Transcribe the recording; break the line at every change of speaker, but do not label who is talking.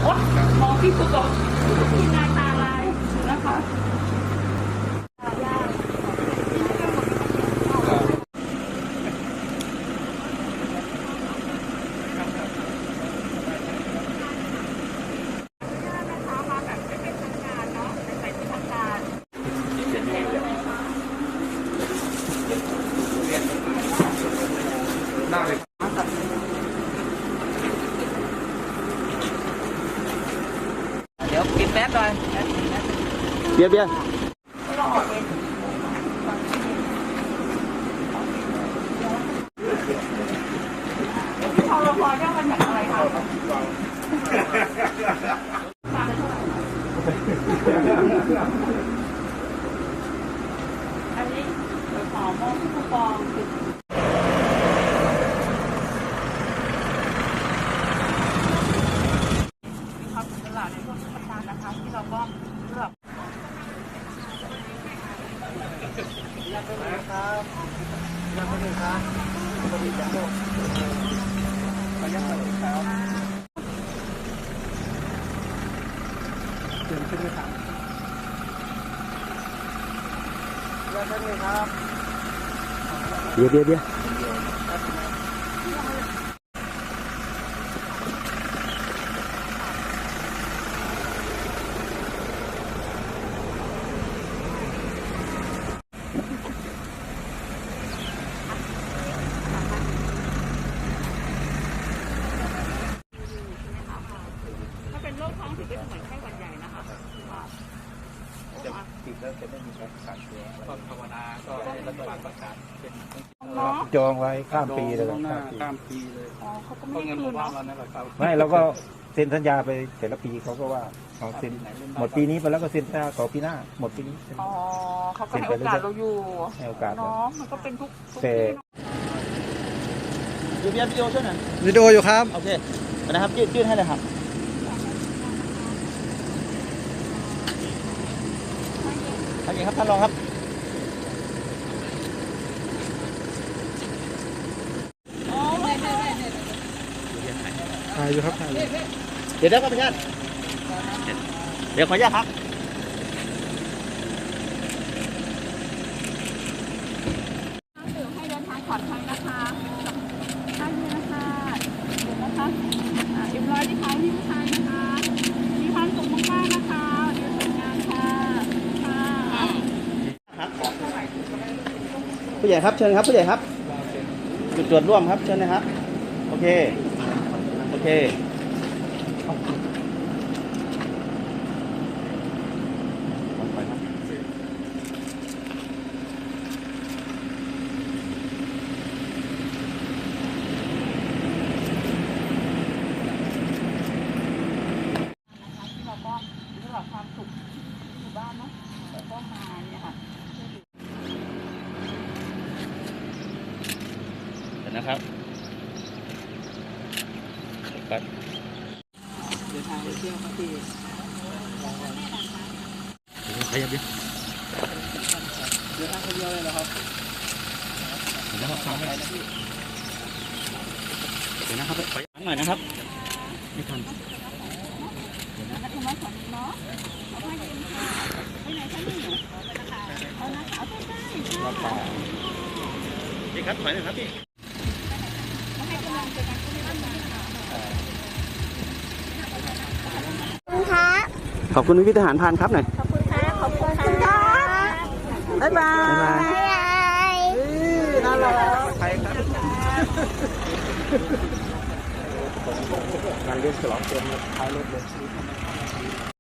มองพี่คุณบอกพี่นายตาลายนะคะ
ได้เลย
เดี๋ยวกินแป๊บหน่อย
เบียร์
เราออกเองพอเราพอเนี่ยมันแบบอะไรคะอันนี้ขอมองที่คูปองครับตลาดในพวกสถานนะคะที่เราก็เลือก
อยากไปไหนครับอยากไปไหนครับบริจาคไปยังไงครับเชิญขึ้นเลยครับอยากไปไหนครับ
เบียร์
ถ้าเป็นโรคท้องถือเป็นเหมือนไข้หวัดใหญ่นะคะ
จะติดแล้วจะไม่มีการขาดเชื้อก็ภาวนาก็รัฐบาลประกาศเป็น
จองไว้ข้ามปีเลย
ข้ามปีเลย
อ๋อเขาก็ไม่
เงิน
คืน
ว่า
เนาะ
เราเนี่ยแหละครับ
ไม่เราก็เซ็นสัญญาไปแต่ละปีเขาก็ว่าเขาเซ็นหมดปีนี้ไปแล้วก็เซ็นสัญญาต่อปีหน้าหมดปีนี้
อ๋อเขาก็ให้โอกาสเราอยู่
ให้โอกาส
เนาะมันก็เป็นทุก
แต่
อยู่เบียร์วิดีโอช่วยหน่อย
วิดีโออยู่ครับ
โอเคนะครับยื่นให้เลยครับโอเคครับท่านรองครับ
ถ่ายอยู่ครับถ่ายอยู่
เดี๋ยวครับพี่ชาติเดี๋ยวขออนุญาตครับ
ให้เดินทางปลอดภัยนะคะท่านนี้นะคะเดี๋ยวนะคะเรียบร้อยที่ท้ายที่ผู้ชายนะคะมีความสุขมากๆนะคะเดี๋ยวทำงานค่ะค่ะ
ผู้ใหญ่ครับเชิญครับผู้ใหญ่ครับจุดตรวจร่วมครับเชิญนะครับโอเคโอเค
ที่เราก็เรื่องความสุขอยู่บ้านเนาะแล้วก็มาเนี่ยค่ะ
เห็นนะครับเดินทางไปเที่ยวครับพี่
ขยับดิ
เดินทางคนเดียวเลยเหรอครับ
เดี๋ยวนะครับไปนะพี่เดี๋ยวนะครับไปหน่อยนะครับไม่ทัน
นักธรรมะสอนเนาะเอาไปกินค่ะไปไหนคะนี่เอานะคะเอาไปได้ค่ะ
พี่ครับถอยหน่อยครับพี่
ให้กำลังใจกันก็ไม่ได้ค่ะ
ขอบคุณพี่ทหารพรานครับหน่อย
ขอบคุณค่ะขอบคุณค่ะบ๊ายบาย
น่ารักใครครับ
งานเลี้ยงฉลองเต็มท้ายรถเลย